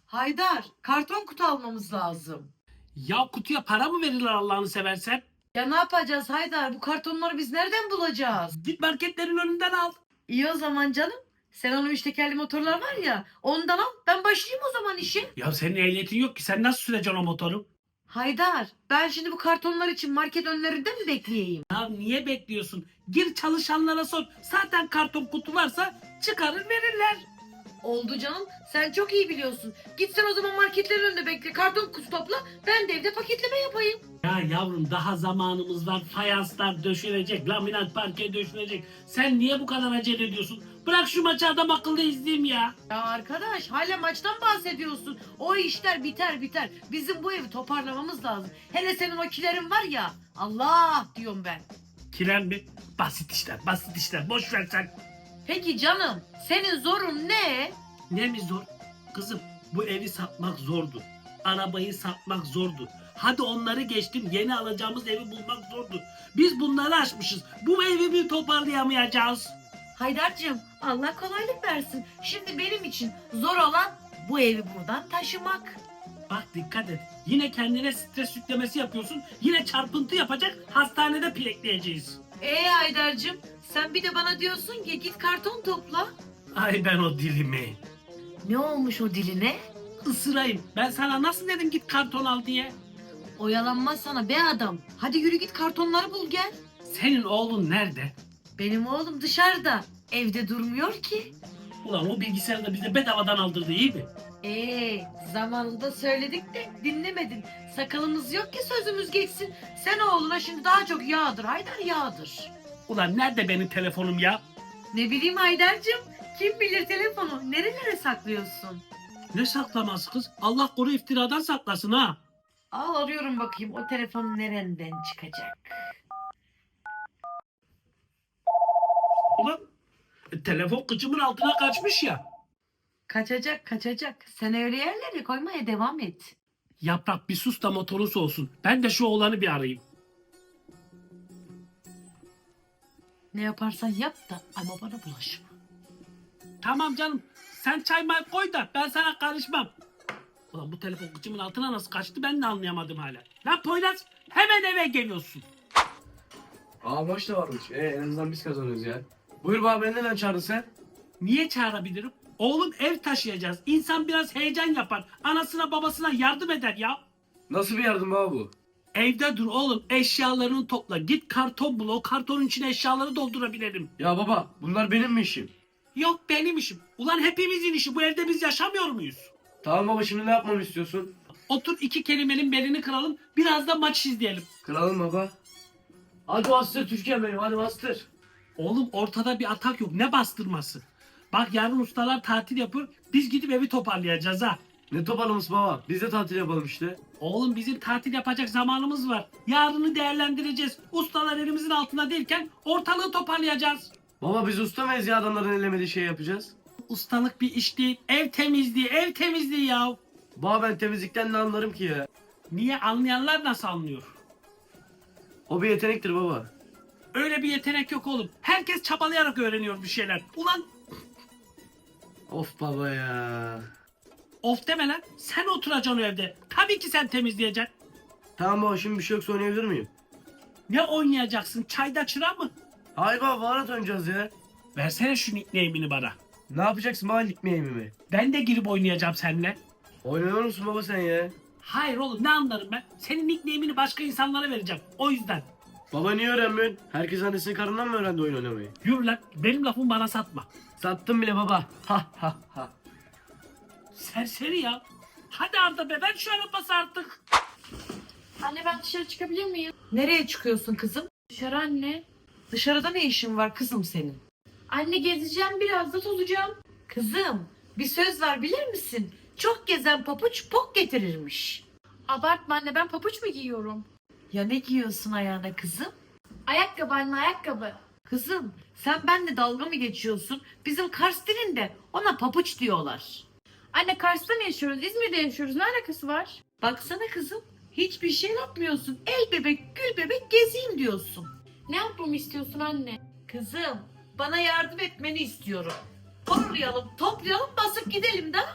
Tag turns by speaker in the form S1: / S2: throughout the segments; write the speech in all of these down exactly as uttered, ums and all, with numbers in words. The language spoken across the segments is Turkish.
S1: Haydar, karton kutu almamız lazım.
S2: Ya kutuya para mı verirler Allah'ını seversen?
S1: Ya ne yapacağız Haydar? Bu kartonları biz nereden bulacağız?
S2: Git marketlerin önünden al.
S1: İyi o zaman canım. Sen onun üç tekerli motorlar var ya, ondan al. Ben başlayayım o zaman işe.
S2: Ya senin ehliyetin yok ki, sen nasıl süreceksin o motoru?
S1: Haydar, ben şimdi bu kartonlar için market önlerinde mi bekleyeyim?
S2: Ya niye bekliyorsun? Gir çalışanlara sor. Zaten karton kutu varsa çıkarır verirler.
S1: Oldu canım. Sen çok iyi biliyorsun. Git sen o zaman marketlerin önünde bekle. Karton kutu topla. Ben de evde paketleme yapayım.
S2: Ya yavrum, daha zamanımız var. Fayanslar döşenecek, laminat parke döşenecek. Sen niye bu kadar acele ediyorsun? Bırak şu maçı, adam akıllı izleyeyim ya.
S1: Ya arkadaş, hala maçtan bahsediyorsun. O işler biter biter. Bizim bu evi toparlamamız lazım. Hele senin o kilerin var ya. Allah diyorum ben.
S2: Kiler mi? Basit işler, basit işler. Boş ver sen.
S1: Peki canım, senin zorun ne?
S2: Ne mi zor? Kızım, bu evi satmak zordu. Arabayı satmak zordu. Hadi onları geçtim, yeni alacağımız evi bulmak zordu. Biz bunları aşmışız. Bu evi mi toparlayamayacağız?
S1: Haydar'cığım, Allah kolaylık versin. Şimdi benim için zor olan bu evi buradan taşımak.
S2: Bak dikkat et. Yine kendine stres yüklemesi yapıyorsun. Yine çarpıntı yapacak, hastanede pilekleyeceğiz.
S1: Ee Haydar'cığım, sen bir de bana diyorsun ki git karton topla.
S2: Ay ben o dilimi.
S1: Ne olmuş o diline?
S2: Isırayım. Ben sana nasıl dedim git karton al diye?
S1: Oyalanma sana be adam. Hadi yürü git kartonları bul gel.
S2: Senin oğlun nerede?
S1: Benim oğlum dışarıda. Evde durmuyor ki.
S2: Ulan o bilgisayarı da bize bedavadan aldırdı, iyi mi?
S1: Ee, zamanında söyledik de dinlemedin. Sakalımız yok ki sözümüz geçsin. Sen oğluna şimdi daha çok yağdır Haydar yağdır.
S2: Ulan nerede benim telefonum ya?
S1: Ne bileyim Haydar'cığım. Kim bilir telefonu nerelere saklıyorsun?
S2: Ne saklaması kız? Allah koru, iftiradan saklasın ha.
S1: Al arıyorum bakayım o telefon nereden çıkacak?
S2: Ulan e, telefon kıçımın altına kaçmış ya.
S1: Kaçacak kaçacak. Sen öyle yerlere koymaya devam et.
S2: Yaprak bir sus da motorun soğusun. Ben de şu oğlanı bir arayayım.
S1: Ne yaparsan yap da ama bana bulaşma.
S2: Tamam canım. Sen çay may koy da ben sana karışmam. Ulan bu telefon kıçımın altına nasıl kaçtı ben de anlayamadım hala. Lan Poyraz, hemen eve geliyorsun.
S3: Aa maç da varmış. E, en azından biz kazanıyoruz ya. Buyur baba, beni neden çağırdın sen?
S2: Niye çağırabilirim? Oğlum, ev taşıyacağız. İnsan biraz heyecan yapar. Anasına babasına yardım eder ya.
S3: Nasıl bir yardım baba bu?
S2: Evde dur oğlum, eşyalarını topla. Git karton bul, o kartonun içine eşyaları doldurabilirim.
S3: Ya baba, bunlar benim mi işim?
S2: Yok benim işim. Ulan hepimizin işi, bu evde biz yaşamıyor muyuz?
S3: Tamam baba, şimdi ne yapmamı istiyorsun?
S2: Otur, iki kelimenin belini kıralım. Biraz da maç izleyelim.
S3: Kralım baba. Hadi bastır Türkiye benim, hadi bastır.
S2: Oğlum ortada bir atak yok. Ne bastırması? Bak yarın ustalar tatil yapıyor. Biz gidip evi toparlayacağız ha.
S3: Ne toparlaması baba? Biz de tatil yapalım işte.
S2: Oğlum bizim tatil yapacak zamanımız var. Yarını değerlendireceğiz. Ustalar elimizin altında değilken ortalığı toparlayacağız.
S3: Baba biz usta mıyız ya, adamların ellemediği şey yapacağız?
S2: Ustalık bir iş değil. Ev temizliği, ev temizliği ya.
S3: Baba ben temizlikten ne anlarım ki ya?
S2: Niye, anlayanlar nasıl anlıyor?
S3: O bir yetenektir baba.
S2: Öyle bir yetenek yok oğlum. Herkes çabalayarak öğreniyor bir şeyler. Ulan
S3: Of baba ya.
S2: of deme lan. Sen oturacaksın o evde. Tabii ki sen temizleyeceksin.
S3: Tamam baba, şimdi bir şey yoksa oynayabilir miyim?
S2: Ne oynayacaksın? Çayda çıra mı?
S3: Hayır baba, Valorant oynayacağız ya.
S2: Versene şu nickname'ini bana.
S3: Ne yapacaksın baba, lig mi mi mi?
S2: Ben de girip oynayacağım seninle.
S3: Oynamıyor musun baba sen ya?
S2: Hayır oğlum, ne anlarım ben? Senin nickname'ini başka insanlara vereceğim. O yüzden.
S3: Baba niye öğrenmiyorsun? Herkes annesinin karnından mı öğrendi oyun oynamayı?
S2: Yürü lan. Benim lafımı bana satma.
S3: Sattım bile baba. Ha ha ha.
S2: Serseri ya. Hadi Arda be, ver şu arabası artık.
S4: Anne ben dışarı çıkabilir miyim?
S1: Nereye çıkıyorsun kızım?
S4: Dışarı anne.
S1: Dışarıda ne işin var kızım senin?
S4: Anne gezeceğim biraz da tozacağım.
S1: Kızım, bir söz var bilir misin? Çok gezen papuç pok getirirmiş.
S4: Abartma anne, ben papuç mu giyiyorum?
S1: Ya ne giyiyorsun ayağına kızım?
S4: Ayakkabı anne, ayakkabı.
S1: Kızım, sen benimle dalga mı geçiyorsun? Bizim Kars dilinde ona papuç diyorlar.
S4: Anne Kars'ta mı yaşıyoruz? İzmir'de yaşıyoruz. Ne alakası var?
S1: Baksana kızım, hiçbir şey yapmıyorsun. El bebek, gül bebek gezeyim diyorsun.
S4: Ne yapmamı istiyorsun anne?
S1: Kızım, bana yardım etmeni istiyorum. Koruyalım, toplayalım, basıp gidelim de.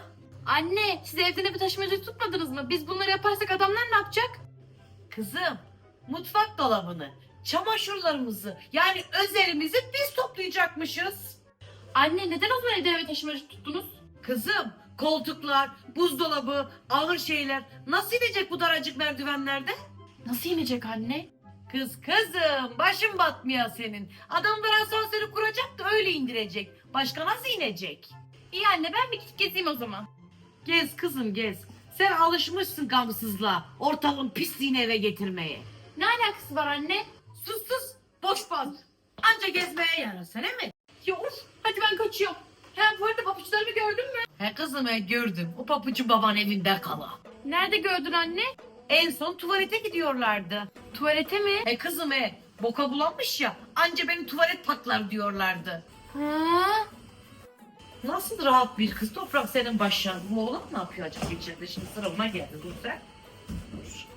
S4: Anne siz evden evi taşımacı tutmadınız mı? Biz bunları yaparsak adamlar ne yapacak?
S1: Kızım, mutfak dolabını, çamaşırlarımızı yani özelimizi biz toplayacakmışız.
S4: Anne neden o zaman evden eve taşımacı tuttunuz?
S1: Kızım, koltuklar, buzdolabı, ağır şeyler nasıl inecek bu daracık merdivenlerde?
S4: Nasıl inecek anne?
S1: Kız kızım, başın batmıyor senin. Adamlar asansörü kuracak da öyle indirecek. Başka nasıl inecek?
S4: İyi anne ben bir gidip gezeyim o zaman.
S1: Gez kızım gez. Sen alışmışsın gamsızlığa, ortalığın pisliğini eve getirmeye.
S4: Ne alakası var anne?
S1: Sus sus, boş baz. Anca gezmeye yarasın he mi?
S4: Ya of hadi ben kaçıyorum. Hem bu arada papuçlarımı gördün mü?
S1: He kızım he gördüm. O papucu baban evinde kala.
S4: Nerede gördün anne?
S1: En son tuvalete gidiyorlardı.
S4: Tuvalete mi?
S1: He kızım he, boka bulanmış ya, anca beni tuvalet patlar diyorlardı.
S4: Ha?
S1: Nasıl rahat bir kız toprak senin başın. Bu oğlan ne yapıyor acaba içeride? Şimdi sıra ona geldi. Dur sen. Dur.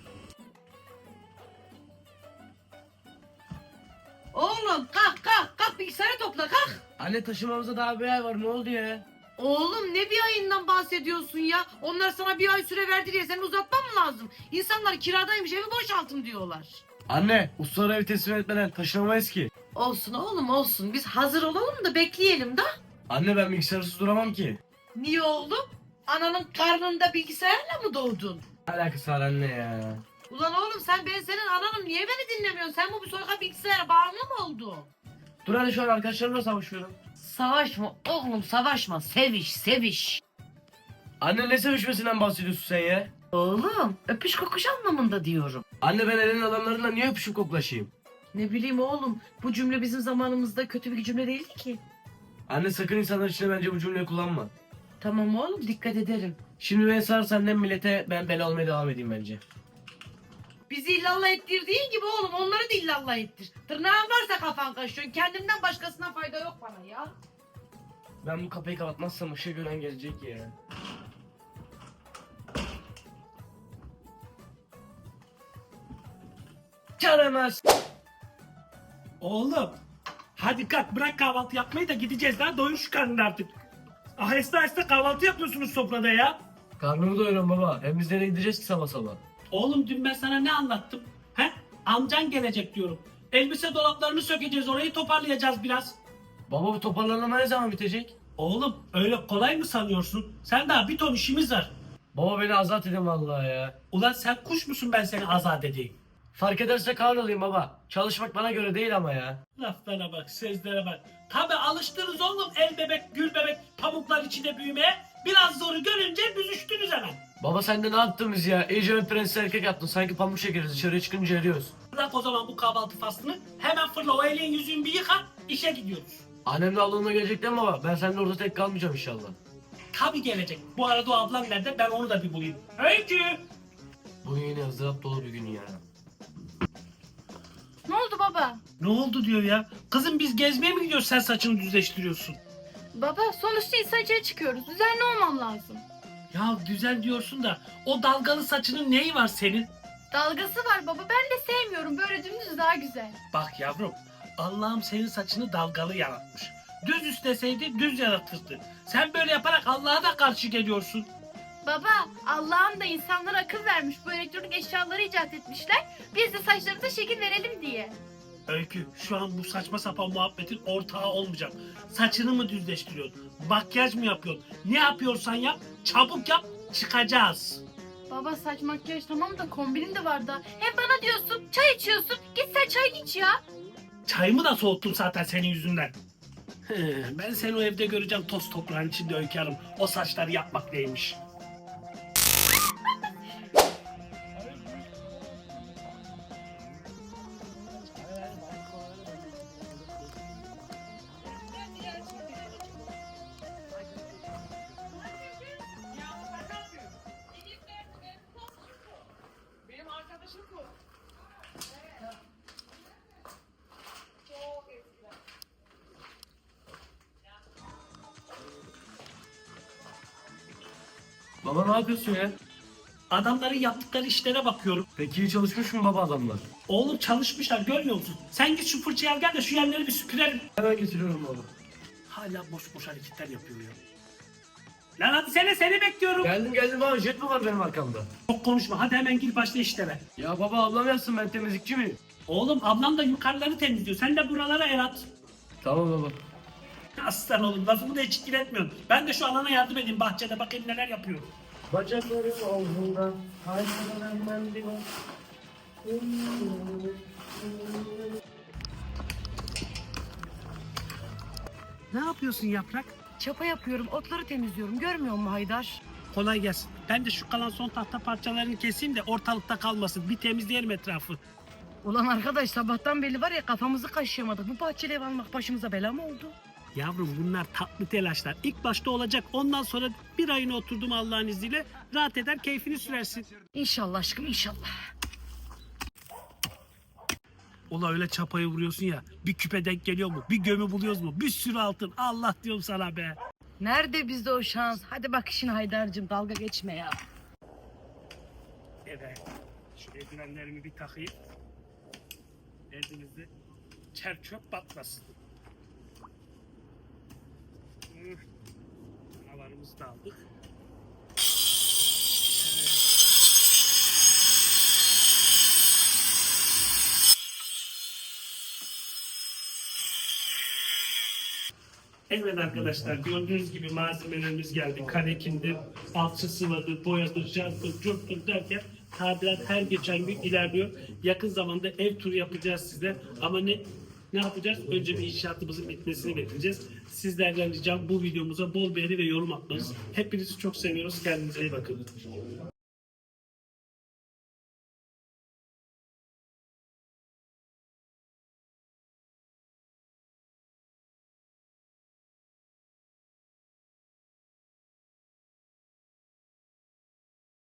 S1: Oğlum kalk kalk kalk bilgisayarı topla kalk.
S3: Anne taşımamıza daha bir ay var, ne oldu ya?
S1: Oğlum ne bir ayından bahsediyorsun ya? Onlar sana bir ay süre verdi diye seni uzatman mı lazım? İnsanlar kiradaymış evi boşaltın diyorlar.
S3: Anne ustalara evi teslim etmeden taşınamayız ki.
S1: Olsun oğlum olsun. Biz hazır olalım da bekleyelim da.
S3: Anne ben bilgisayarısız duramam ki.
S1: Niye oğlum? Ananın karnında bilgisayarla mı doğdun?
S3: Ne alakası var anne ya?
S1: Ulan oğlum sen ben senin ananım niye beni dinlemiyorsun? Sen bu bir soyka bilgisayara bağımlı mı oldun?
S3: Dur hadi şu an arkadaşlarımla savaşıyorum.
S1: Savaşma oğlum savaşma. Seviş seviş.
S3: Anne ne sevişmesinden bahsediyorsun sen ya?
S1: Oğlum öpüş kokuş anlamında diyorum.
S3: Anne ben elin adamlarıyla niye öpüşüp koklaşayım?
S1: Ne bileyim oğlum bu cümle bizim zamanımızda kötü bir cümle değildi ki.
S3: Anne sakın insanlar içinde bence bu cümleyi kullanma.
S1: Tamam oğlum dikkat ederim.
S3: Şimdi beni sarsan ne millete ben bela olmaya devam edeyim bence.
S1: Bizi illallah ettirdiğin gibi oğlum onları da illallah ettir. Tırnağın varsa kafan kaşıyorsun. Kendimden başkasına fayda yok bana ya.
S3: Ben bu kapıyı kapatmazsam ışığı gören gelecek ya. Çaremez.
S2: Oğlum hadi kalk bırak kahvaltı yapmayı da gideceğiz lan, doyur şu karnını artık. Aheste aheste kahvaltı yapıyorsunuz sofrada ya.
S3: Karnımı doyuruyorum baba. Hem biz nereye gideceğiz ki sabah sabah?
S2: Oğlum dün ben sana ne anlattım? He? Amcan gelecek diyorum. Elbise dolaplarını sökeceğiz, orayı toparlayacağız biraz.
S3: Baba bu toparlanma ne zaman bitecek?
S2: Oğlum öyle kolay mı sanıyorsun? Sen daha bir ton işimiz var.
S3: Baba beni azat edin vallahi ya.
S2: Ulan sen kuş musun ben seni azat edeyim?
S3: Fark ederse kar olayım baba. Çalışmak bana göre değil ama ya.
S2: Laflara bak, sözlere bak. Tabi alıştınız oğlum el bebek, gül bebek, pamuklar içinde büyümeye. Biraz zoru görünce büzüştünüz hemen.
S3: Baba sen de ne yaptın biz ya? İyice ön prenses erkek yaptın. Sanki pamuk şekeriz. Dışarıya çıkınca eriyoruz.
S2: Bırak o zaman bu kahvaltı faslını. Hemen fırla o elin yüzünü bir yıka, işe gidiyoruz.
S3: Annemle ablamla gelecek değil mi baba? Ben seninle orada tek kalmayacağım inşallah.
S2: Tabi gelecek. Bu arada o ablam nerede? Ben onu da bir bulayım. Öykü!
S3: Bugün yine ızdırap dolu bir gün ya.
S4: Ne oldu baba?
S2: Ne oldu diyor ya? Kızım biz gezmeye mi gidiyoruz, sen saçını düzleştiriyorsun?
S4: Baba sonuçta insan içeri çıkıyoruz. Düzenli olmam lazım.
S2: Ya güzel diyorsun da o dalgalı saçının neyi var senin?
S4: Dalgası var baba ben de sevmiyorum. Böyle dümdüz daha güzel.
S2: Bak yavrum, Allah'ım senin saçını dalgalı yaratmış. Düz isteseydi düz yaratırdı. Sen böyle yaparak Allah'a da karşı geliyorsun.
S4: Baba Allah'ım da insanlara akıl vermiş. Bu elektronik eşyaları icat etmişler. Biz de saçlarımıza şekil verelim diye.
S2: Öykü, şu an bu saçma sapan muhabbetin ortağı olmayacağım. Saçını mı düzleştiriyorsun? Makyaj mı yapıyorsun? Ne yapıyorsan yap, çabuk yap, çıkacağız.
S4: Baba saç makyaj tamam da kombinim de var da. Hem bana diyorsun çay içiyorsun. Git sen çay iç ya.
S2: Çayımı da soğuttum zaten senin yüzünden. He, ben seni o evde göreceğim toz toprağın içinde Öykü Hanım. O saçları yapmak neymiş?
S1: Benim arkadaşım bu.
S3: Baba ne yapıyorsun ya?
S2: Adamların yaptıkları işlere bakıyorum.
S3: Peki iyi çalışmış mı baba adamlar?
S2: Oğlum çalışmışlar, görmüyor musun? Sen git şu fırçayı al gel de şu yerleri bir süpürelim.
S3: Hemen getiriyorum baba.
S2: Hala boş boş hareketler yapıyor ya. Lan hadi sene seni bekliyorum.
S3: Geldim geldim baba, jet mi var benim arkamda?
S2: Çok konuşma hadi hemen gir başla işlere.
S3: Ya baba ablam yazsın, ben temizlikçi miyim?
S2: Oğlum ablam da yukarıları temizliyor. Sen de buralara el at.
S3: Tamam baba.
S2: Aslan oğlum lafımı da hiç etmiyorsun. Ben de şu alana yardım edeyim bahçede bakayım neler yapıyor.
S3: Bacaklarım omzumda, hayvanlarım ben bir
S2: Ne yapıyorsun Yaprak?
S1: Çapa yapıyorum, otları temizliyorum. Görmüyor musun Haydar?
S2: Kolay gelsin. Ben de şu kalan son tahta parçalarını keseyim de ortalıkta kalmasın. Bir temizleyelim etrafı.
S1: Ulan arkadaş sabahtan beri var ya kafamızı kaşıyamadık. Bu bahçeli ev almak başımıza bela mı oldu?
S2: Yavrum bunlar tatlı telaşlar. İlk başta olacak. Ondan sonra bir ayını oturdum Allah'ın izniyle. Rahat eder keyfini sürersin.
S1: İnşallah aşkım inşallah.
S2: Ola öyle çapayı vuruyorsun ya. Bir küpe denk geliyor mu? Bir gömü buluyoruz mu? Bir sürü altın. Allah diyorum sana be.
S1: Nerede bizde o şans? Hadi bak işin Haydar'cığım dalga geçme ya.
S2: Evet. Şu eldivenlerimi bir takayım. Elinizde çer çöp batmasın. Hı. Havalarımızı da aldık. Evet arkadaşlar gördüğünüz gibi malzemelerimiz geldi. Karekindi, alçı sıvadı, boyadı, jartı, curttur derken tadilat her geçen gün ilerliyor. Yakın zamanda ev turu yapacağız size. Ama ne ne yapacağız? Önce bir inşaatımızın bitmesini bekleyeceğiz. Sizlerden ricam bu videomuza bol beğeni ve yorum atmanız. Hepinizi çok seviyoruz. Kendinize iyi bakın.